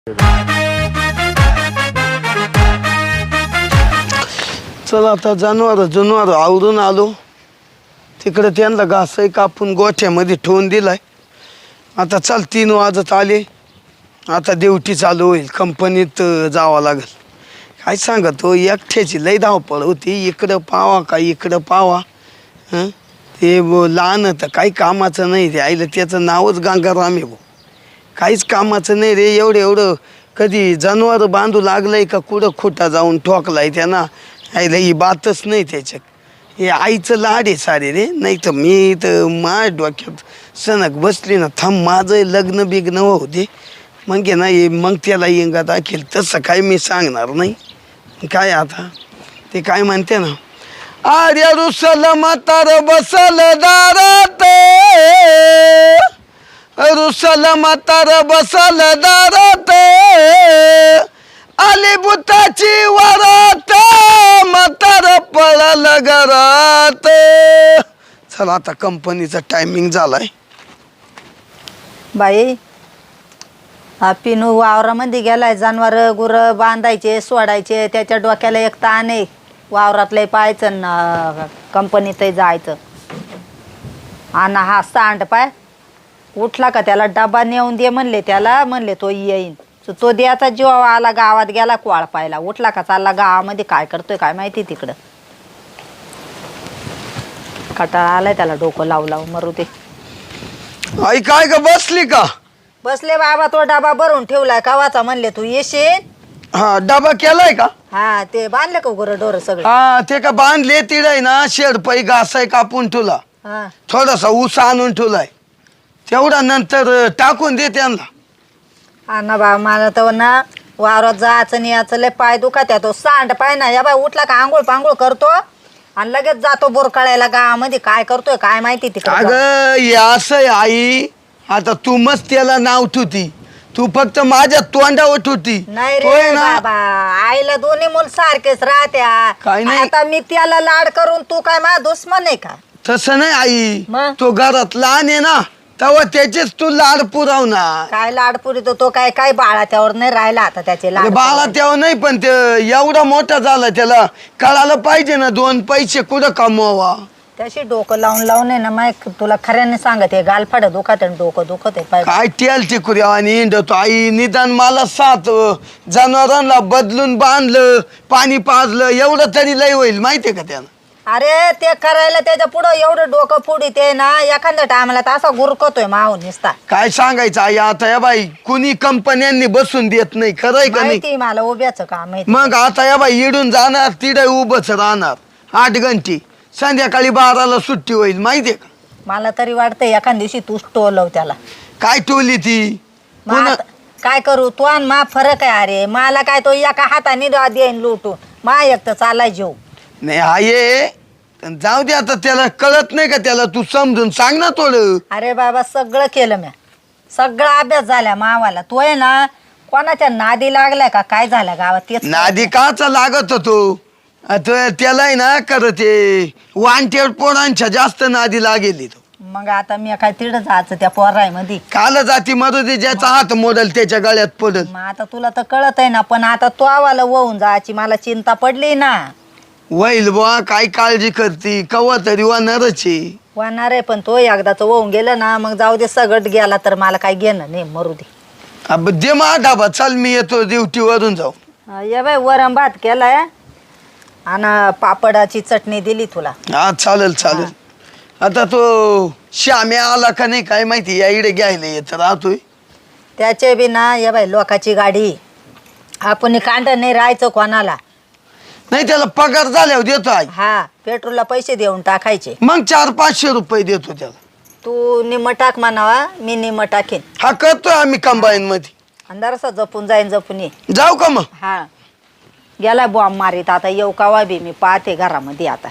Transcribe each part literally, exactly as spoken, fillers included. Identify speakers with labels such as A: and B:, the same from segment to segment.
A: चला आता जनावर जनावर आवरून आलो. तिकडे त्यांना घासही कापून गोठ्यामध्ये ठेवून दिलाय. आता चल तीन वाजत आले. आता ड्युटी चालू होईल. कंपनीत जावं लागेल. काय सांगतो एकट्याची लई धावपळ होती. इकडं पावा का इकडं पावा. हं ते लहान तर काही कामाचं नाही. ते आईला त्याचं नावच गंगाराम आहे भाऊ. काहीच कामाचं नाही रे. एवढं एवढं कधी जनावर बांधू लागलंय का कुठं खोटा जाऊन ठोकलाय त्यांना. आईला ही बातच नाही त्याच्यात. हे आईचं लाड आहे सारे रे. नाही तर मी तर माझ्या डोक्यात सनक बसली ना. थांब माझं लग्न बिग्न होऊ दे मग ना ये मग त्याला इंगा दाखील. तसं काय मी सांगणार नाही. काय आता ते काय म्हणते ना. आर्य रुसल म्हातार बसल दारात. रुसल म्हातार बसल दारात. आली बुताची वरात. म्हातार पळाल घरात. चला आता कंपनीचा टायमिंग झालाय.
B: बाई हा पिनू वावरामध्ये गेलाय. जनावर गुर बांधायचे सोडायचे. त्याच्या डोक्याला एक ताण आहे. वावरातलंही पाहायचं ना कंपनीतही जायचं. आणि हा सांड पाय उठला का त्याला डबा नेऊन दे म्हणले. त्याला म्हणले तो येईन. तो द्याचा जीव आला. गावात गेला कोळ पायला. उठला का चालला गावामध्ये. काय करतोय काय माहिती तिकडं. कटाळा आलाय त्याला. डोकं लावू लावू मरू दे.
A: आई काय का बसली का.
B: बसले बाबा. तो डबा भरून ठेवलाय कवाचा. म्हणले तू येशील.
A: हा डबा केलाय का.
B: हा ते बांधले का गुरं ढोर सगळं.
A: हा ते का बांधले. तिडाय ना शेड पै घासाय कापून ठेवला.
B: हा
A: थोडासा ऊस आणून ठेवलाय. तेवढा नंतर टाकून दे त्यांना.
B: हा ना बा मला तर ना वावरात जायचं नाही याचं लय पाय दुखत. तो सांड पाय ना या बाय उठला का आंघोळ पांघोळ करतो आणि लगेच जातो बोरकाळ्याला गावामध्ये. काय करतोय काय माहिती तिकडे.
A: अगं हे असं आहे. आता तू मस्त त्याला नाव ठेवती. तू फक्त माझ्या तोंडावर ठेवती.
B: नाही
A: होय
B: रे
A: ना.
B: बाबा आईला दोन्ही मुलं सारखेच राहत्या.
A: काय नाही.
B: आता मी त्याला लाड करून तू काय माझा दुश्मन आहे का.
A: तसं नाही आई.
B: मग?
A: तो घरात लहान आहे ना तेव्हा त्याचेच तू लाड पुरवणार.
B: काय लाडपुरी तो तो काय काय बाळा त्यावर नाही राहिला आता त्याचे लाड.
A: बाळा तेव्हा नाही पण ते एवढा मोठा झाला. त्याला कळायला पाहिजे ना दोन पैसे कुठं कमवा.
B: त्याशी डोकं लावून लावून आहे ना माय तुला खऱ्याने सांगत आहे. गालफाड दुखत आहे डोकं दुखत आहे पाय.
A: काय तेल टिकुऱ्या आणि इंडतो आई. निदान मला सात जनावरांना बदलून बांधलं पाणी पाजलं एवढं तरी लय होईल माहितीये का त्यानं.
B: अरे ते करायला त्याच्या पुढं एवढं डोकं फुडी ते ना एखाद्या टायमाला तर असा गुरकतोय माहून निसता.
A: काय सांगायचं आई. आता या बाई कुणी कंपन्यांनी बसून देत नाही. खरंय का नाही.
B: माहिती मला उभ्याचं काम माहिती.
A: मग आता या बाई इडून जाणार तिडे उभंच राहणार आठ घंटे. संध्याकाळी बाराला सुट्टी होईल माहितीये का.
B: मला तरी वाटतंय एखाद दिवशी तूच टोलव त्याला.
A: काय टोली ती.
B: मग आता काय करू तू आणि मा फरक आहे. अरे मला काय तो एका हाताने देईन लुटून. मा एक तर चालाय जेव.
A: नाही हा ये जाऊ दे आता. त्याला कळत नाही का. त्याला तू समजून सांग ना थोडं.
B: अरे बाबा सगळं केलं म्या. सगळा अभ्यास झाला मावाला. तो आहे ना कोणाच्या नादी लागलाय का काय झालं गावात तेच.
A: नादी काचा लागत होतो. आता त्याला आहे ना करत ते वांटेड पोरांच्या जास्त नादी लागेली तो.
B: मग आता मी काय तिड जायचं त्या पोराय मध्ये.
A: काल जाती मधू ज्याचा हात मोडल त्याच्या गळ्यात पडल.
B: मग आता तुला तर कळत आहे ना. पण आता तो आवाला वळून जायची मला चिंता पडली ना.
A: वैल बुवा काय काळजी करती. कवा तरी वानरच आहे.
B: वाहणार आहे पण तो एकदाच वळून गेलं ना मग जाऊ दे. सगळं गेला तर मला काय घेणं नाही मरू दे.
A: अब दे मा ढाबा. चल मी येतो ड्युटी वरून जाऊ.
B: ये बाय वरण भात केलाय आणि पापडाची चटणी दिली तुला.
A: हा चालेल चालेल. आता तो श्याम्या आला का नाही काय माहिती. या इकडे घ्यायला येत राहतोय.
B: त्याचे बी ना ये बाय लोकाची गाडी. आपण कांड नाही राहायचं कोणाला.
A: नाही त्याला पगार झाल्यावर देतो आई.
B: हा पेट्रोलला पैसे देऊन टाकायचे.
A: मग चार पाचशे रुपये देतो त्याला.
B: तू निम्म टाक म्हणावा मी निम्म टाकेन.
A: हा करतोय आम्ही कंबाईन मध्ये.
B: अंधारसा जपून जाईन जपून ये.
A: जाऊ का मग.
B: हा गेला बॉम्ब मारीत. आता येऊ कावा बी मी पाहते घरामध्ये आता.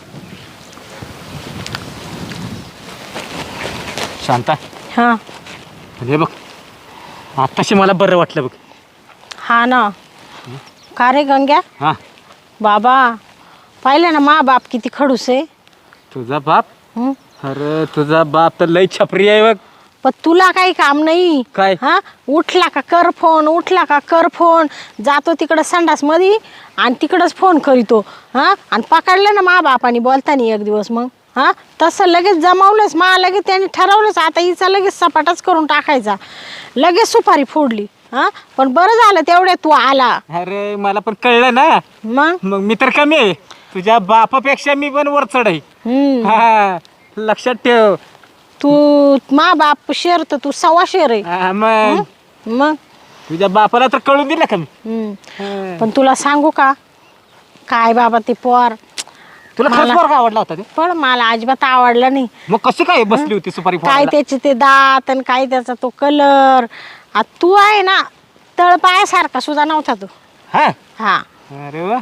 C: शांता
D: हा
C: हे बघ आत्ताशी मला बरं वाटलं बघ.
D: हा ना. का रे गंग्या.
C: हां
D: बाबा पाहिलं ना मा बाप किती खडूस आहे.
C: तुझा बाप.
D: हं?
C: अरे तुझा बाप तर लई छपरी आहे बघ.
D: पण तुला काही काम नाही
C: काय?
D: हा उठला का कर फोन उठला का कर फोन जातो तिकडं संडास मध्ये आणि तिकडंच फोन करीतो हा आणि पकडलं ना मा बापानी बोलतानी एक दिवस मग हा तसं लगेच जमावलंच मा लगेच त्यांनी ठरवलंच आता हिचा लगेच सपाटाच करून टाकायचा लगेच सुपारी फोडली हा पण बरं झालं तेवढ्या तू आला.
C: अरे मला पण कळलं ना
D: मग
C: मग मी तर कमी आहे तुझ्या बापापेक्षा मी पण वर चढ आहे.
D: हम्म
C: हा लक्षात ठेव.
D: तू मा बाप शेर तर तू सव्वा शेर आहे.
C: हा, मग
D: मग
C: तुझ्या बापाला तर कळून दिलं का मी.
D: हम्म.
C: हा.
D: पण तुला सांगू का काय बाबा ते पोर
C: तुला खरंच
D: मला-
C: पोरगा का आवडला होता ते
D: पण मला अजिबात आवडलं नाही.
C: मग कशी काय बसली होती सुपारी
D: काय
C: फोडायला?
D: त्याचे ते दात आणि काय त्याचा तो कलर तू आहे ना तळपायासारखा सुद्धा नव्हता तू.
C: हा
D: हा
C: अरे वा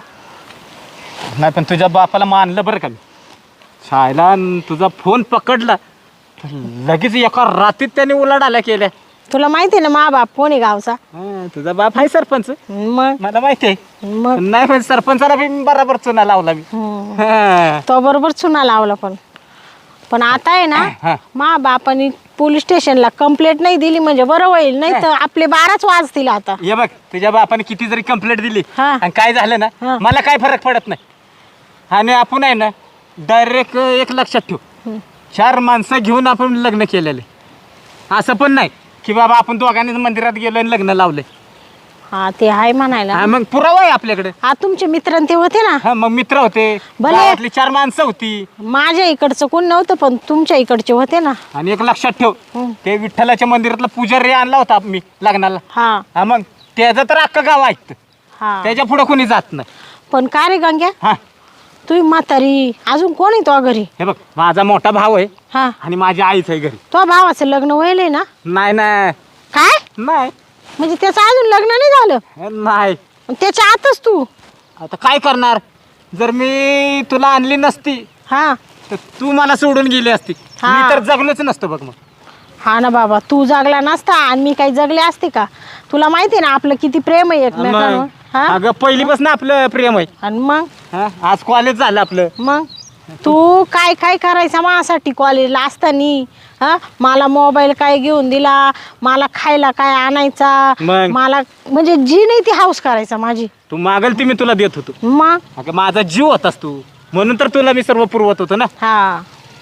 C: नाही पण तुझ्या बापाला मानलं बरं का मी शाळेला अन तुझा फोन पकडला तर लगेच एका रात्रीत त्याने उलाढाल्या केल्या.
D: तुला माहिती आहे ना मा बाप कोणी गावचा.
C: हा, तुझा बाप आहे सरपंच
D: मग
C: मला माहिती आहे.
D: मग
C: नाही पण सरपंचाला बी बराबर चुना लावला मी.
D: हम्म.
C: हा.
D: तो बरोबर चुना लावला पण पण आता आहे ना
C: हा.
D: मा बापानी पोलीस स्टेशनला कंप्लेंट नाही दिली म्हणजे बरं होईल नाही तर आपले बाराच वाजतील आता.
C: हे बघ तुझ्या बापाने किती जरी कंप्लेंट दिली
D: हा.
C: आणि काय झालं ना
D: हा.
C: मला काय फरक पडत नाही. आणि आपण आहे ना डायरेक्ट एक लक्षात ठेव चार माणसं घेऊन आपण लग्न केलेले असं पण नाही की बाबा आपण दोघांनीच मंदिरात गेलो आणि लग्न लावले.
D: हा ते आहे म्हणायला.
C: हा, मग पुरावा आहे आपल्याकडे.
D: हा तुमचे मित्र ते होते ना
C: हा मग मित्र होते
D: भले.
C: गावातली चार माणसं होती
D: माझ्या इकडचं कोण नव्हतं पण तुमच्या इकडचे होते ना.
C: आणि एक लक्षात ठेव
D: हम्म.
C: ते विठ्ठलाच्या मंदिरातला पुजारी आणला होता मी लग्नाला.
D: हा
C: हा मग त्याचं तर अख्खं गाव ऐकतं
D: हा
C: त्याच्या पुढे कोणी जात नाही.
D: पण का रे गंग्या
C: हा
D: तुझी म्हातारी अजून कोण आहे तो घरी.
C: हे बघ माझा मोठा भाऊ आहे
D: हा
C: आणि माझी आईच आहे घरी.
D: तो भावाचं लग्न व्हायलंय ना.
C: नाही नाही
D: काय
C: नाही
D: म्हणजे त्याचं अजून लग्न नाही झालं
C: नाही
D: आणि त्याच्या आतच तू.
C: आता काय करणार जर मी तुला आणली नसती
D: हा
C: तर तू मला सोडून गेली असती.
D: हा.
C: मी तर जगलोच नसतो बघ. मग
D: हा ना बाबा तू जगला नसता आणि मी काही जगले असते का. तुला माहिती आहे ना आपलं किती प्रेम आहे एकमेकांवर.
C: मग,
D: हा
C: अगं पहिलीपासून आपलं प्रेम आहे.
D: आणि मग
C: हा, आज कॉलेज झालं आपलं.
D: मग तू काय काय करायचा माझ्यासाठी कॉलेजला असताना. हा मला मोबाईल काय घेऊन दिला मला खायला काय आणायचा
C: मग?
D: मला म्हणजे जी नाही ती हाऊस करायचा माझी.
C: तू मागल ती मी तुला देत होतो.
D: मग
C: अगं माझा जीव होतास तू म्हणून तर तुला मी सर्व पुरवत होतो ना.
D: हा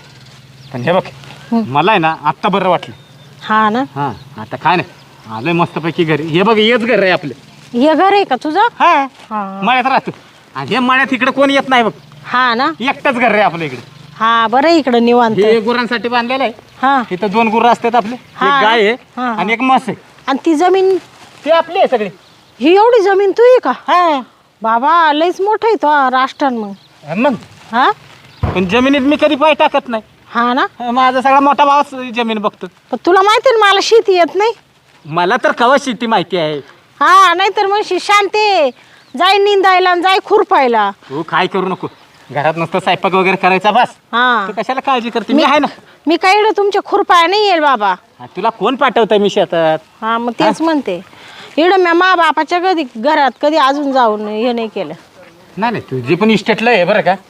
C: पण हे बघ मला आहे ना आत्ता बरं वाटलं.
D: हा ना
C: हा आता काय नाही आलोय मस्तपैकी घरी. हे बघ हेच घर आहे आपलं.
D: हे घर आहे का तुझं.
C: हा
D: हा
C: मळ्यात राहतो आणि हे मळ्यात इकडे कोण येत नाही बघ.
D: हा ना
C: एकटंच घर आहे आपलं इकडे.
D: हा बरं इकडं निवांत.
C: हे गुरांसाठी बांधलेलं आहे.
D: हा
C: इथं दोन गुरं असतात आपले एक
D: हा.
C: गाय आहे
D: हा.
C: आणि एक म्हस आहे.
D: आणि ती जमीन
C: ते आपली आहे सगळी.
D: ही एवढी जमीन तू आहे का.
C: हा
D: बाबा लयच मोठं आहे तो राष्ट्रान मग.
C: मग
D: हा
C: पण जमिनीत मी कधी पाय टाकत नाही.
D: हा ना
C: माझा सगळा मोठा भावच जमीन बघतो.
D: पण तुला माहिती आहे ना मला शेती येत नाही.
C: मला तर कवा शेती माहिती आहे.
D: हा नाहीतर म्हणशी शांते जाय निंदायला आणि जाय खुरपायला.
C: तू काय करू नको घरात नुसतं स्वयंपाक वगैरे करायचा बस.
D: हा
C: तू कशाला काळजी करते मी आहे ना.
D: मी काही इकडं तुमच्या खुरपाया नाही येईल बाबा.
C: हा, तुला कोण पाठवतंय मी शेतात.
D: हा मग तेच म्हणते इकडं मी मा बापाच्या कधी घरात कधी अजून जाऊन हे नाही केलं.
C: नाही नाही तुझी पण इस्टेटला आहे बरं का.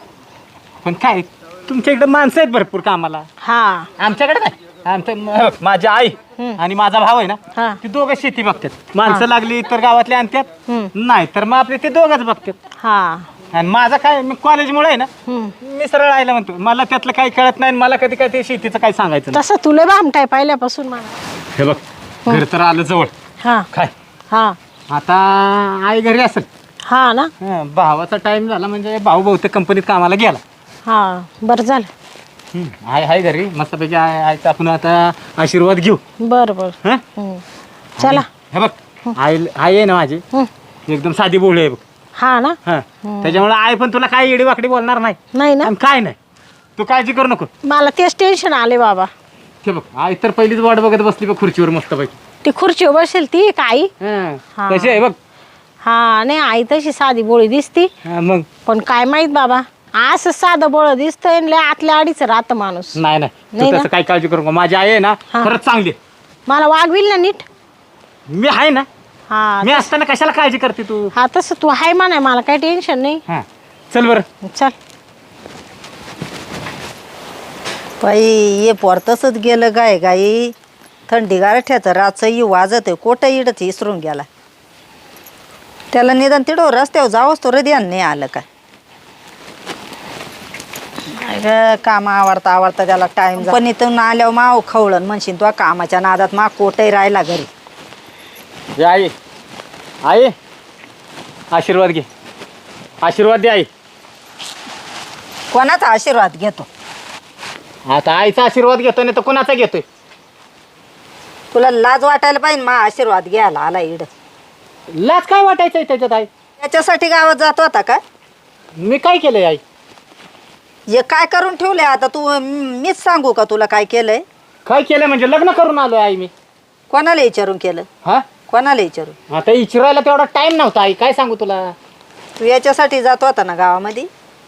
C: पण काय तुमच्या इकडे माणसं आहेत भरपूर कामाला.
D: हा
C: आमच्याकडे नाही. आमचं म- माझी आई आणि माझा भाऊ आहे ना
D: हा.
C: ते दोघं शेती बघतात. माणसं लागली तर गावातले आणतात
D: हम्म.
C: नाही तर मग आपले ते दोघंच बघतात.
D: हा
C: आणि माझं काय मी कॉलेजमुळे आहे ना
D: हम्म.
C: मी सरळ आयला म्हणतो मला त्यातलं काही कळत नाही आणि मला कधी काय ते शेतीचं काय सांगायचं नाही.
D: तसं तुला भामटाय पहिल्यापासून मला.
C: हे बघ घर तर आलं जवळ
D: हा
C: काय
D: हा
C: आता आई घरी असेल.
D: हा ना
C: हं, भावाचा टाइम झाला म्हणजे भाऊ बहुतेक कंपनीत कामाला गेला.
D: हा बरं झालं.
C: हं, आई आहे घरी मस्तपैकी आय आईचा आपण आता आशीर्वाद घेऊ.
D: बरं बरं
C: हं?
D: हम्म. चला
C: हे बघ आई आई आहे ना माझी
D: हम्म.
C: एकदम साधी बोळी आहे बघ.
D: हा ना
C: हा त्याच्यामुळे आई पण तुला काही येडी वाकडी बोलणार नाही
D: नाही ना
C: आणि काय नाही. तू काळजी करू नको.
D: मला तेच टेन्शन आले बाबा.
C: हे बघ आई तर पहिलीच वाट बघत बसली बघ खुर्चीवर मस्तपैकी.
D: ती खुर्चीवर बसेल ती का आई.
C: हं,
D: हा.
C: कशी आहे बघ.
D: हा नाही आई तशी साधी बोळी दिसती
C: हा, मग
D: पण काय माहित बाबा असं साधं बोळ दिसतंय लय आतल्या आडीच राहतं माणूस.
C: नाही नाही
D: नाही
C: तू
D: ना?
C: तसं काही काळजी करू नको. माझी आई आहे ना
D: हा.
C: खरंच चांगली आहे.
D: मला वागविल ना नीट.
C: मी आहे ना
D: हा
C: मी असताना कशाला काळजी करते तू.
D: हा तसं तू हाय म्हणाय मला काही टेन्शन नाही.
C: हा चल बरं.
D: चल
B: बाई ये पोर तसंच गेलं गाय गाई थंडी गारठ्याचं रातचं वाजत आहे कोटं इडत इसरून गेला. त्याला निदान तिडो रस्त्यावर जावंच तो हृदयान नाही आलं काय. काय काम आवडता आवडता त्याला टाइम पण इथून आल्यावर माव खवळण म्हणशील तो कामाच्या नादात मा कोटही राहिला घरी.
C: जे आई आई आशीर्वाद घे, आशीर्वाद दे आई.
B: कोणाचा आशीर्वाद घेतो?
C: आता आईचा आशीर्वाद घेतो नाही तर कुणाचा घेतोय?
B: तुला लाज वाटायला पाहिजे मा आशीर्वाद घ्यायला आला इड.
C: लाज काय वाटायचंय त्याच्यात आई?
B: त्याच्यासाठी गावात जात होता का?
C: मी काय केलंय आई?
B: हे काय करून ठेवलंय आता तू? मीच सांगू का तुला काय केलंय?
C: काय केलंय म्हणजे लग्न करून आलोय आई मी.
B: कोणाला विचारून केलं?
C: हा
B: कोणाला विचारून?
C: आता इचरायला तेवढा टाइम नव्हता आई, काय सांगू तुला.
B: तू याच्यासाठी जात होता ना गावामध्ये?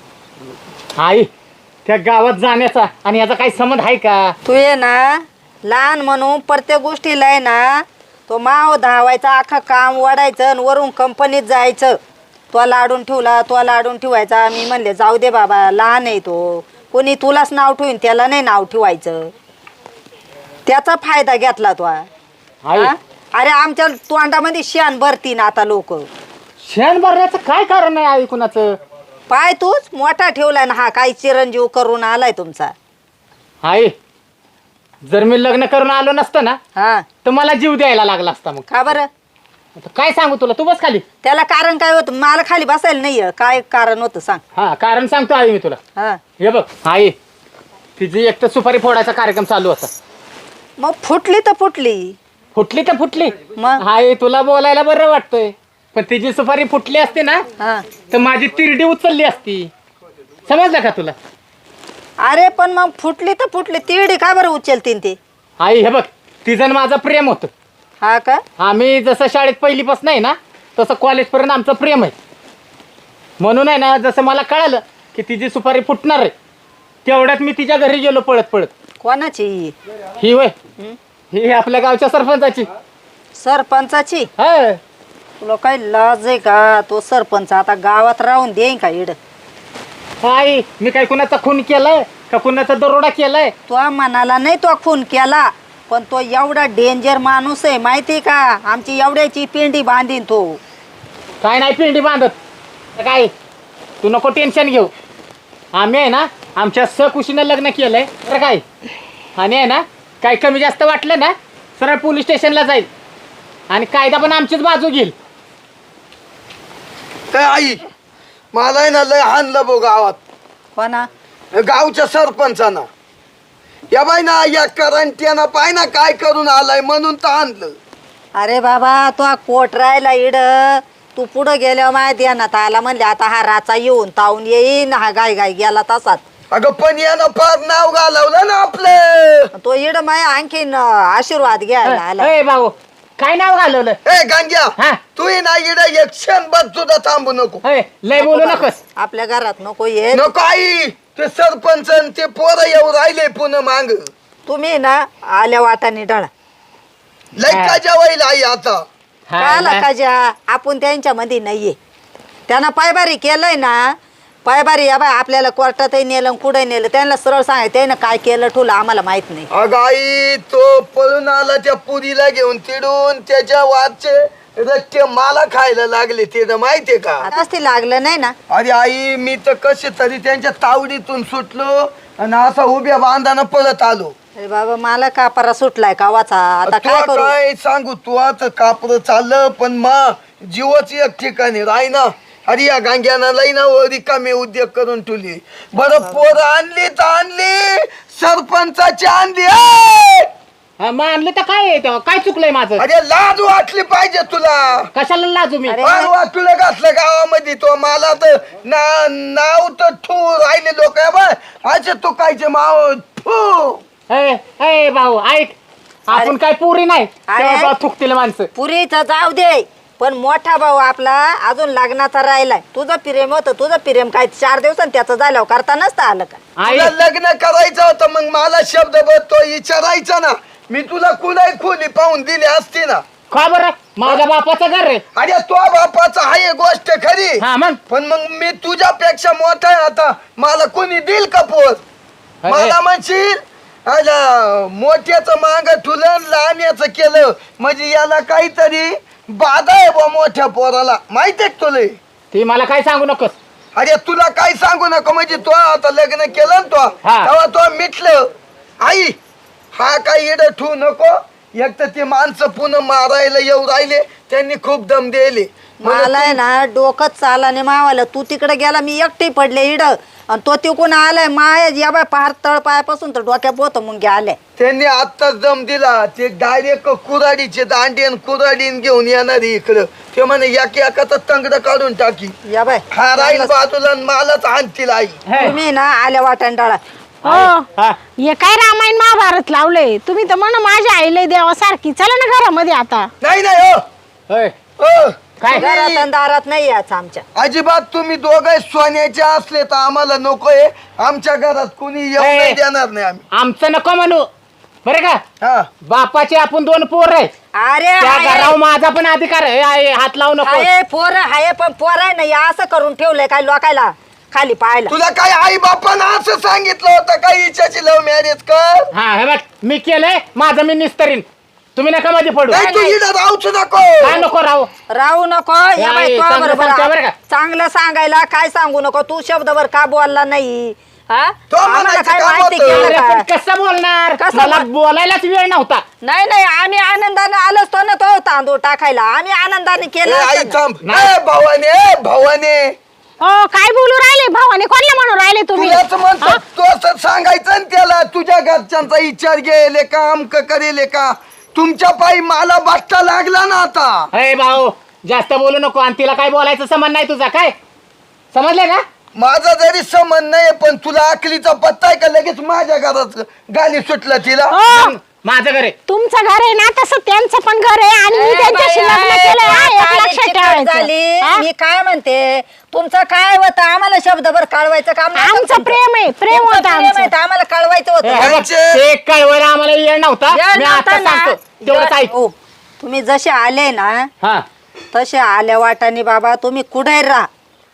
C: आई त्या गावात जाण्याचा आणि याचा काही संबंध आहे का?
B: तू ये ना लहान म्हणून प्रत्येक गोष्टीला आहे ना तो माव धावायचा, अख्खं काम वाढायचं आणि वरून कंपनीत जायचं. तो लाडून ठेवला, तो लाडून ठेवायचा. मी म्हणले जाऊ दे बाबा, लहान आहे तो, कोणी तुलाच नाव ठेवीन त्याला नाही नाव ठेवायचं. त्याचा फायदा घेतला तो.
C: आई
B: हा? अरे आमच्या तोंडामध्ये शेण भरतीन आता लोक.
C: शेण भरण्याचं काय कारण आहे आई कुणाचं?
B: पाय तूच मोठा ठेवलाय ना हा, काही चिरंजीव करून आलाय तुमचा.
C: आई जर मी लग्न करून आलो नसतं ना
B: हा
C: तर मला जीव द्यायला लागला असता. मग
B: का बरं?
C: आता काय सांगू तुला, तू बस खाली.
B: त्याला कारण काय होतं? मला खाली बसायला नाही काय कारण होतं सांग.
C: हा कारण सांगतो आई मी तुला.
B: हा
C: हे बघ आई, तिची एक तर सुपारी फोडायचा कार्यक्रम चालू होता.
B: मग फुटली तर फुटली.
C: फुटली तर फुटली.
B: मग?
C: आई तुला बोलायला बरं वाटतंय पण तिची सुपारी फुटली असते ना
B: हा
C: तर माझी तिरडी उचलली असती. समजलं का तुला?
B: अरे पण मग फुटली तर फुटली, तिरडी का बरं उचलतीन ते?
C: आई हे बघ, तिचं आणि माझं प्रेम होतं.
B: हा का?
C: आम्ही जसं शाळेत पहिलीपासून आहे ना तसं कॉलेजपर्यंत आमचं प्रेम आहे. म्हणून आहे ना जसं मला कळालं की तिची सुपारी फुटणार आहे तेवढ्यात मी तिच्या घरी गेलो पळत पळत.
B: कोणाची?
C: ही वय ही आपल्या गावच्या सरपंचाची.
B: सरपंचाची?
C: हा
B: तुला काही लाज आहे का? तो सरपंच आता गावात राहून देईन का इड?
C: आई मी काय कुणाचा खून केलाय का कुणाचा दरोडा केलाय?
B: तो मनाला नाही तो खून केला, पण तो एवढा डेंजर माणूस आहे माहिती का? आमची एवढ्याची पिंडी बांधीन तो.
C: काय नाही पिंडी बांधत. तर काय तू नको टेन्शन घेऊ. आम्ही आहे ना आमच्या सकुशीनं लग्न केलंय तर काय. आणि आहे ना काही कमी जास्त वाटलं ना सरळ पोलीस स्टेशनला जाईल आणि कायदा पण आमचीच बाजू घेईल.
A: काय आई मला आहे ना लय हाणलं बो गावात,
B: कोणा?
A: गावच्या सरपंचाना. या बाई ना या करंट्यानं पाय ना काय करून आलाय म्हणून तर आणलं.
B: अरे बाबा तो कोट राहिला इड, तू पुढं गेल्यावर माहिती ध्यानात आला म्हणले आता हा राचा येऊन तावून येईन, हा गाय गाय गेला तसाच.
A: अगं पण यानं फार नाव घालवलं ना आपलं.
B: तो इड माय आणखीन आशीर्वाद घ्यायला आला.
C: ए भाऊ काय नाव घालवलं?
A: ए गांग्या
C: हा?
A: तू ये ना इड एक क्षण बघ सुद्धा थांबू नको.
C: ए, लय बोलू नकोस.
B: आपल्या घरात नको ये.
A: नको आई, ते सरपंच आणि ते पोरं येऊ राहिले पुन्हा मांग. तुम्ही
B: ना आल्या वाटाने डळा
A: लय का जेवाईल आई आता.
C: हा
B: काला
C: ना.
B: काजा आपण त्यांच्या मध्ये नाहीये. त्यांना पायबारी केलंय ना, पायबारी या बाय आपल्याला कोर्टातही नेलं कुठे नेलं त्यांना सरळ सांगाय त्यानं काय केलं ठुलं आम्हाला माहित नाही.
A: अगं आई तो पळून आला त्या पुरीला घेऊन तिडून त्याच्या वादचे रट्टे मला खायला लागले ते माहितीये का.
B: आताच ते लागलं नाही ना.
A: अरे आई मी तर कसे तरी त्यांच्या तावडीतून सुटलो आणि असा उभ्या बांधानं पळत आलो.
B: अरे बाबा मला कापारा सुटलाय का वाचा आता काय
A: तुला
B: करू?
A: काय सांगू तू आता कापड चाललं पण मा जीवाची एक ठिकाणी राय ना. अरे या गांग्यानं लई ना रिकामे उद्योग करून ठेवली. बरं पोर आणली तर आणली सरपंचाची आणली. ए!
C: हा, मग आणलं तर काय आहे तेव्हा? काय चुकलंय माझं?
A: अरे लाज वाटली पाहिजे तुला.
C: कशाला लाजू मी?
B: अरे.
A: फार वाटूला घातलं गावामध्ये तो मला तर ना नाव तर ठू राहिले लोक असे तो कायचे माव ठू.
C: ए ए भाऊ ऐक, आपण
B: अरे.
C: काय पुरी नाही
B: अरे.
C: तेव्हा बा थुकतील माणसं.
B: पुरीचा जाऊ दे पण मोठा भाऊ आपला अजून लग्नाचा राहिलाय. तुझं प्रेम होतं, तुझं प्रेम काय चार दिवसांनी त्याचं झाल्यावर करता नसतं आलं का?
C: आई
A: तुला लग्न करायचं होतं मग मला शब्द बघ तो विचारायचा ना. मी तुला कुणाही खोली पाहून दिली असती ना.
C: का बरं? माझ्या बापाचं घर रे.
A: अरे तो बापाचा आहे गोष्ट खरी,
C: हा मग
A: पण मग मी तुझ्यापेक्षा मोठा आहे आता. मला कोणी देईल का पोर?
C: अरे.
A: मला म्हणशील आला मोठ्याचं मांग ठुलं लहान्याचं केलं म्हणजे याला काहीतरी बाधा आहे बा मोठ्या पोराला माहितीये का तुला?
C: ती मला काय सांगू नकोस.
A: अरे तुला काय सांगू नको म्हणजे तो आता लग्न केलं ना तो
C: हा.
A: तेव्हा तो मिटलं आई हा काही इड ठेवू नको. एक तर ते माणसं पुन्हा मारायला येऊ राहिले त्यांनी खूप दम दिले.
B: मला आहे ना डोकंच चाला नाही मावाला. तू तिकडे गेला मी एकटी पडले इड आणि तो तिकून आलाय माया या बाय पार तळ पायापासून तर डोक्या पोत मुंग्या आल्या.
A: त्यांनी आत्ताच दम दिला ते डायरेक्ट कुराडीचे दांडी आणि कुराडीन घेऊन येणार इकडं. ते म्हणे एक एकाच तंगड काढून टाकी
B: या बाय
A: हा राहील बाजूला आणि मलाच आणतील आई.
C: हे,
B: तुम्ही ना आल्या वाटांडाळा.
D: हो
C: हा.
D: हे काय रामायण महाभारत लावलंय तुम्ही तर म्हण माझ्या आईला देवासारखी. चला ना घरामध्ये आता.
A: नाही नाही हो
C: होय.
A: हो.
C: काय?
B: घरात आणि दारात नाही याच आमच्या.
A: अजिबात तुम्ही दोघे सोन्याचे असले तर आम्हाला नकोय. आमच्या घरात कुणी येऊ
C: ए.
A: नाही देणार नाही आम्ही.
C: आमचं नको म्हणू बरं का.
A: हा
C: बापाचे आपण दोन पोर आहे.
B: अरे
C: त्या
B: हाय,
C: घरावर माझा पण अधिकार आहे. आहे, हात लावू नको.
B: हाय पोर हाय पण पोर आहे नाही असं करून ठेवलंय काय लोकायला खाली पाहायला.
A: तुला काय आई बापानं असं सांगितलं होतं का हिच्याची लव्ह मॅरेज कर?
C: हा हे बघ मी केलंय माझं मी निस्तरीन. तुम्ही नका मध्ये पडू.
A: नाही तू इथं राहूच नको.
C: काय नको राहू.
B: राहू नको या
C: नाही,
B: बाई तो
C: चांगलं
B: बरोबर
C: सांगते बरं का?
B: चांगलं सांगायला काय सांगू नको. तू शब्दभर का बोलला नाही हा
A: तो
B: आम्हाला
A: म्हणायचं
B: काय
A: काम
B: माहिती
A: होतं.
B: केलं
C: अरे पण
B: का?
C: कसं बोलणार.
B: कसं
C: मला
B: बोल-
C: बोलायलाच वेळ नव्हता.
B: नाही नाही आम्ही आनंदाने आलोच तो ना तो तांदूळ टाकायला. आम्ही आनंदाने
A: ए,
B: केलं
A: आई
B: असतं ना.
A: थांब.
C: नाही.
A: ए, भावाने ए, भावाने
D: हो काय बोलू राहिले भावाने कोणला म्हणून राहिले तुम्ही?
A: तुलाच म्हणतो तू असं सांगायचं ना त्याला तुझ्या घरच्यांचा विचार गेले का अमक करेले का. तुमच्या पायी मला बट्टा लागला ना आता.
C: अरे भाऊ जास्त बोलू नको. आणि तिला काय बोलायचं संबंध नाही तुझा. काय समजलं का?
A: माझा जरी समज नाही पण तुला अकलीचा पत्ता आहे का लगेच माझ्या घरात गाली सुटलं तिला.
D: हो
C: माझं घर आहे.
D: तुमचं घर आहे ना तसं त्यांचं पण घर आहे आणि मी
B: ए
D: त्यांच्याशी
B: बाई,
D: लग्न
B: ए,
D: केलंय हा, एक
B: काय
D: लक्षात
B: चिकट
D: ठेवायचं.
B: झाली.
D: हा?
B: मी काय म्हणते तुमचं काय होतं आम्हाला शब्दभर कळवायचं काम नव्हतं
D: आमचं
B: तुमचं.
D: प्रेम आहे प्रेम
B: तुमचं
D: होतं
B: प्रेम आहे
D: आमचं.
B: तर आम्हाला कळवायचं
C: हे
B: होतं.
C: बघ,
A: यांचे-
C: ते कळवायला आम्हाला वेळ नव्हता.
B: वेळ
C: मी
B: नव्हता
C: आता
B: ना.
C: सांगतो तेवढंच ऐक.
B: हो, तुम्ही जसे आले ना
C: हा
B: तसे आल्या वाटाने बाबा तुम्ही कुठे राहा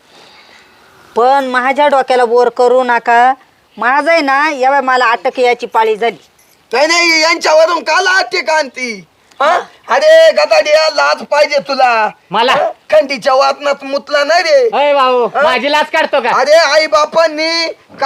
B: पण माझ्या डोक्याला बोर करू नका. माझं आहे ना या मला अटक याची पाळी झाली.
A: नाही नाही यांच्यावरून काल आटे कांती. अरे गदाडिया लाज पाहिजे तुला.
C: मला?
A: हा? खंडीच्या वादनात मुतला नाही रे.
C: अय भाऊ माझी लाच काढतो का?
A: अरे आई बापांनी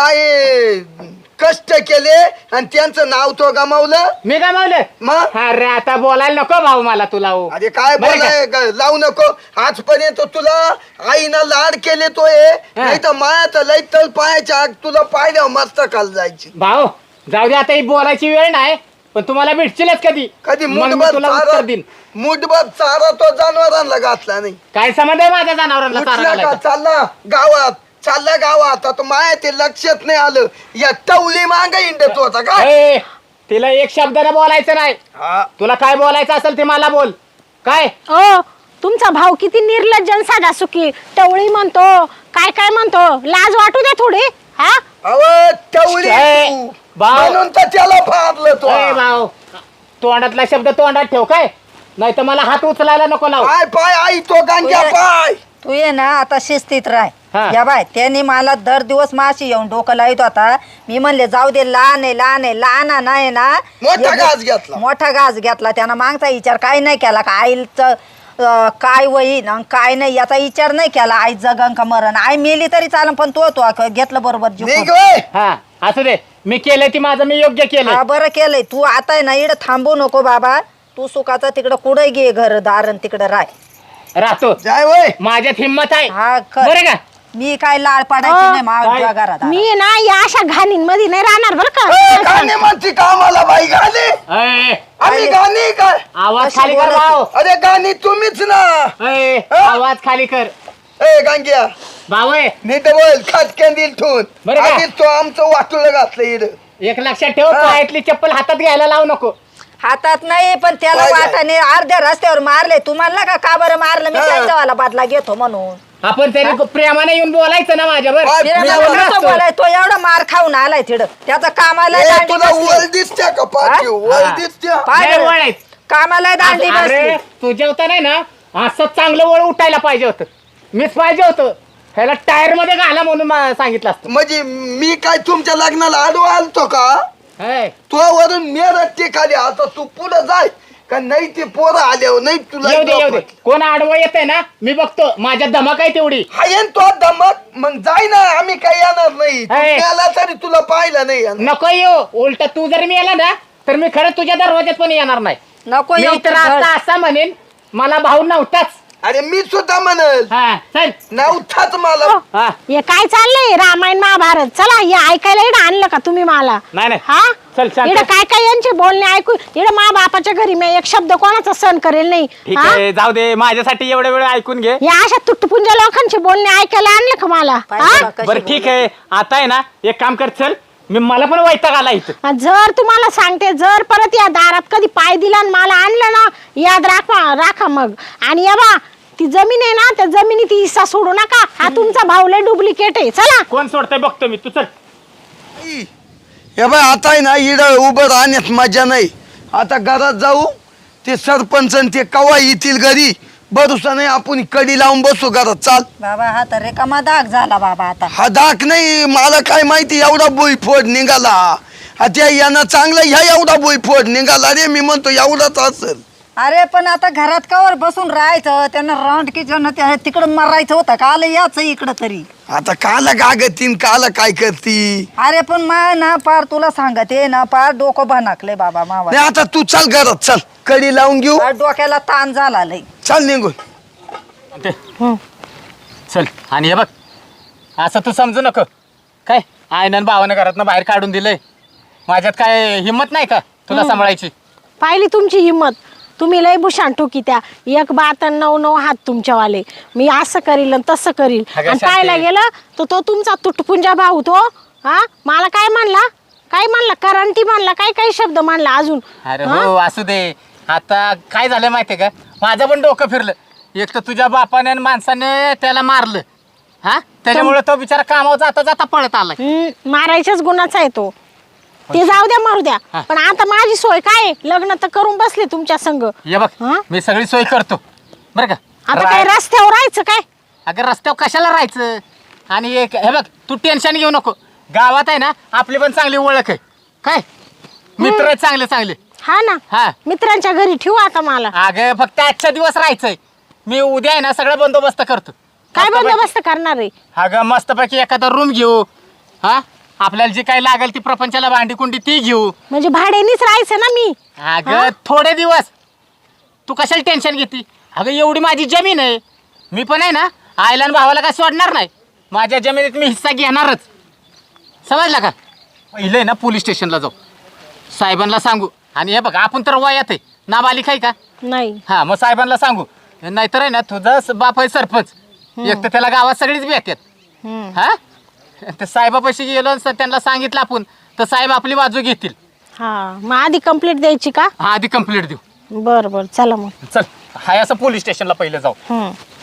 A: काय कष्ट केले आणि त्यांचं नाव तो गमावलं.
C: मी गमावलं.
A: मग
C: अरे आता बोलायला नको भाऊ मला तुला हो.
A: अरे काय
C: बरं का?
A: बोलाय ग- लावू नको. आजपर्यंत तुला आईनं लाड केले तो नाही तर माया तर लई तल पायाच्या आग तुला पाहिल्यावर मस्त काल जायची.
C: भाऊ जाऊ दे आता ही बोलायची वेळ नाही. पण तुम्हाला भेटशीलच कधी.
A: कधी
C: मग मी
A: मुठभर
C: तुला
A: चारा
C: उत्तर देईन.
A: मुठभर चारा तो जनावरांना घातला नाही.
C: काय संबंध आहे माझ्या जनावरांना चारा
A: उठला का
C: घालायचा?
A: चालला गावात चालला गावात आता माया ते लक्षात नाही आलं. या टवली मांग इंडत होता का.
C: ए, तिला एक शब्दाने बोलायचं नाही.
A: हा.
C: तुला काय बोलायचं असेल ते मला बोल. काय
D: हो तुमचा भाऊ किती निर्लज्ज आणि साधा सुखी. टवळी म्हणतो काय काय म्हणतो. लाज वाटू दे थोडी. हा
A: अव टवली
C: ए,
A: तू.
C: भाऊ.
A: म्हणून तर त्याला फारलं तो.
C: ए, भाऊ तोंडातला शब्द तोंडात ठेव. काय नाही तर मला हात उचलायला नको लाव.
A: पाय पाय आई तो गांजा
B: तुझ्या-
A: पाय.
B: तू ये ना आता शिस्तीत
C: हा.
B: राह. या बाय त्यांनी मला दर दिवस माशी येऊन डोकं लावित होता. मी म्हणले जाऊ दे लहान आहे लहान आहे लहान नाही ना.
A: मोठा
B: हे-
A: घास घेतला.
B: मोठा घास घेतला त्यानं मागचा विचार काय नाही केला का आईचं अं, काय होईन अन काय नाही याचा विचार नाही केला. आई जगन का मरण आई मेली तरी चालन पण तो तो घेतलं बरोबर जीव
A: निघ
B: करून.
A: वय.
C: हा असू दे मी केलंय ती माझं मी योग्य केलंय.
B: हा बरं केलंय. तू आता आहे ना इकडं थांबू नको बाबा. तू सुखाचा तिकडं कुठे घे घर दारण तिकडं राय.
C: राहतो.
A: जाय वय.
C: माझ्यात हिंमत आहे.
B: हा कर.
C: बरं का?
B: मी काय लाळ पाडायची
D: अं,
B: नाही माझ्या घरात.
D: मी ना या अशा घाणींमध्ये नाही राहणार बरं
A: ए,
D: का.
A: गाणे म्हणते का आम्हाला बाई गाणे.
C: ए,
A: आम्ही गाणी काय.
C: आवाज
B: कशी
C: खाली कर
B: बोलत
C: भाऊ.
A: अरे गाणी तुम्हीच ना.
C: ए,
A: हा?
C: आवाज खाली कर
A: ए गांग्या
C: भाऊ. ए,
A: नीट बोल खाटक्यान दिल ठेवून.
C: बरं का?
A: आधीच तो आमचं वाटुळ घातलं इड.
C: एक लक्षात ठेव
A: हा.
C: पायातली चप्पल हातात घ्यायला लावू नको.
B: हातात नाही पण त्याला
A: काय काय?
B: वाटाने अर्ध्या रस्त्यावर मारले. तुम्हाला का का बरं मारलं मी
A: हा.
B: त्यांच्यावाला बदला घेतो म्हणून.
C: आपण तरी प्रेमाने येऊन बोलायचं ना माझ्यावर.
A: काय?
B: तिला
A: मी
B: नवरा
A: बोललो
B: नसतो बोलाय. तो एवढा मार खाऊन आलाय तिकडं. त्याचा कामाला
A: ए,
B: दांडी
A: तुला
B: बसली.
A: वर दिसत्या का पाठी
B: हा?
A: वर
C: हा.
A: दिसत्या.
B: पाय
C: लय
B: बरं.
C: वळ आहेत.
B: कामाला दांडी
C: अरे
B: बसली.
C: तू जेवता नाही ना असं चांगलं वळ उठायला पाहिजे होतं. मीच पाहिजे होतं ह्याला टायर मध्ये घाला म्हणून मा- सांगितलं असतं.
A: म्हणजे मी काय तुमच्या लग्नाला आडवा आलतो का.
C: हाय.
A: तू वरून मेरठ ते खाली आता तू पुढे जाय का नाही ते पोरं आल्यावर नाही तुला
C: येऊ दे येऊ दे कोण आडवं येते ना मी बघतो माझ्या धमक आहे तेवढी.
A: हायन तो धमक मग जाय ना आम्ही काही येणार नाही तू
C: हाय.
A: गेला तरी तुला पाहिलं नाही येणार.
C: नको येऊ उलट तू जर मी आला ना तर मी खरं तुझ्या दरवाज्यात पण येणार नाही.
B: नको
C: मी
B: येऊ
C: तर
B: तू
C: आता असं म्हणेन मला भाऊ नव्हताच.
A: अरे मी सुद्धा म्हणल
C: हा चल
A: नव्हताच मला
C: हा
D: हे काय चाललंय रामायण महाभारत चला हे ऐकायला इकडे आणलं का तुम्ही मला
C: नाही नाही
D: हा
C: चल शांत.
D: इकडे काय काय यांचे बोलणे ऐकू इकडे मा बापाच्या घरी मी एक शब्द कोणाचा सहन करेल नाही
C: ठीक
D: हा?
C: आहे जाऊ दे माझ्यासाठी एवढ्या वेळ ऐकून घे.
D: या अशा तुटपुंजा लोकांचे बोलणे ऐकायला आणलं का मला
B: पाहिलं
D: हा?
B: का कशी
C: बरं ठीक आहे आता आहे ना एक काम कर चल मी मला पण वैताग आला इथं.
D: जर तुम्हाला सांगते जर परत या दारात कधी पाय दिला आणि मला आणलं ना याद राखा राखा मग. आणि या बा ती जमीन आहे ना त्या जमिनी ती हिस्सा सोडू नका हा तुमचा भाऊले डुप्लिकेट आहे चला.
C: कोण सोडतंय बघतो मी तू चल.
A: हे बाय आता आहे ना इड उभं राहण्यात मजा नाही. आता घरात जाऊ ते सरपंच आणि ते कवा येतील घरी भरोसा नाही आपण कडी लावून बसू घरात चाल.
B: बाबा हा तर रेकामा दाग झाला बाबा आता.
A: हा दाख नाही मला काय माहिती एवढा भुईफोड निघाला आता यांना चांगला ह्या एवढा भुईफोड निघाला रे मी म्हणतो एवढाच असेल.
B: अरे पण आता घरात कवर बसून राहायचं त्यांना राऊंड किचन तिकडं मरायचं होतं का आलं याच इकडं तरी.
A: आता काला गागतीन काला काय करती
B: अरे पण मा ना पार तुला सांगते ना पार डोकं भनाकले बाबा मावा.
A: नाही आता तू चाल घरात चल कडी लावून घेऊ
B: पार डोक्याला ताण झाला लय.
A: चाल निघून.
C: ते, चल आणि हे बघ असं तू समजू नको काय आयनन भावानं घरातनं बाहेर काढून दिलंय माझ्यात काय हिंमत नाही का तुला सांभाळायची.
D: पाहिली तुमची हिंमत तुम्ही लय भूषण टोकी त्या एक बात आणि नऊ नऊ हात तुमच्यावाले मी असं करील आणि तसं करील
C: अगं
D: आणि
C: शांती.
D: पाहायला गेलं तर तो तुमचा तुटपुंजा भाऊ तो हा मला काय म्हणला काय म्हणला करंटी म्हणला काय काय शब्द म्हणला अजून.
C: अरे
D: हा?
C: हो असू दे आता काय झालं माहितीये का माझं पण डोकं फिरलं एक तर तुझ्या बापाने आणि माणसाने त्याला मारलं हा त्याच्यामुळे तो बिचारा कामावर जाता जाता पळत आलाय.
D: हम्म, मारायच्याच गुणाचा आहे तो ते जाऊ द्या मारू द्या
C: हा.
D: पण आता माझी सोय काय आहे? लग्न तर करून बसले तुमच्या संग
C: ये बघ
D: हा?
C: मी सगळी सोय करतो बरं का.
D: आता
C: राय-
D: काय रस्त्यावर राहायचं काय
C: अगं रस्त्यावर कशाला राहायचं आणि एक हे बघ तू टेन्शन घेऊ नको गावात आहे ना आपली पण चांगली ओळख आहे काय मित्र आहेत चांगले चांगले.
D: हा ना
C: हा
D: मित्रांच्या घरी ठेवू आता मला
C: अगं फक्त आजच्या दिवस राहायचंय मी उद्या आहे ना सगळं बंदोबस्त करतो.
D: काय
C: मस्तपैकी-
D: बंदोबस्त करणार आहे
C: अगं मस्तपैकी एखादा रूम घेऊ हा आपल्याला जी काही लागेल ती प्रपंचाला भांडी कुंडी ती घेऊ.
D: म्हणजे भाड्यानेच राहायचं ना मी
C: अगं
D: हा?
C: थोडे दिवस तू कशाला टेन्शन घेते अगं एवढी माझी जमीन आहे मी पण आहे ना आईला आणि भावाला काय सोडणार नाही माझ्या जमिनीत मी हिस्सा घेणारच समजला का. पहिले ना पोलीस स्टेशनला जाऊ साहेबांना सांगू आणि हे बघ आपण तर वयात आहे नाबालिक आहे का
D: नाही
C: हा मग साहेबांना सांगू नाहीतर आहे ना तुझा स- बाप आहे सरपंच एक तर त्याला गावात सगळीच भेटतात
D: हम्म.
C: हा ते साहेबापाशी गेलो आणि स- त्यांना सांगितलं आपण तर साहेब आपली बाजू घेतील.
D: हा मग आधी कंप्लेंट द्यायची का
C: हा आधी कंप्लीट देऊ
D: बर बर चला मग
C: चल हाय असं पोलीस स्टेशनला पहिलं जाऊ.
D: हम्म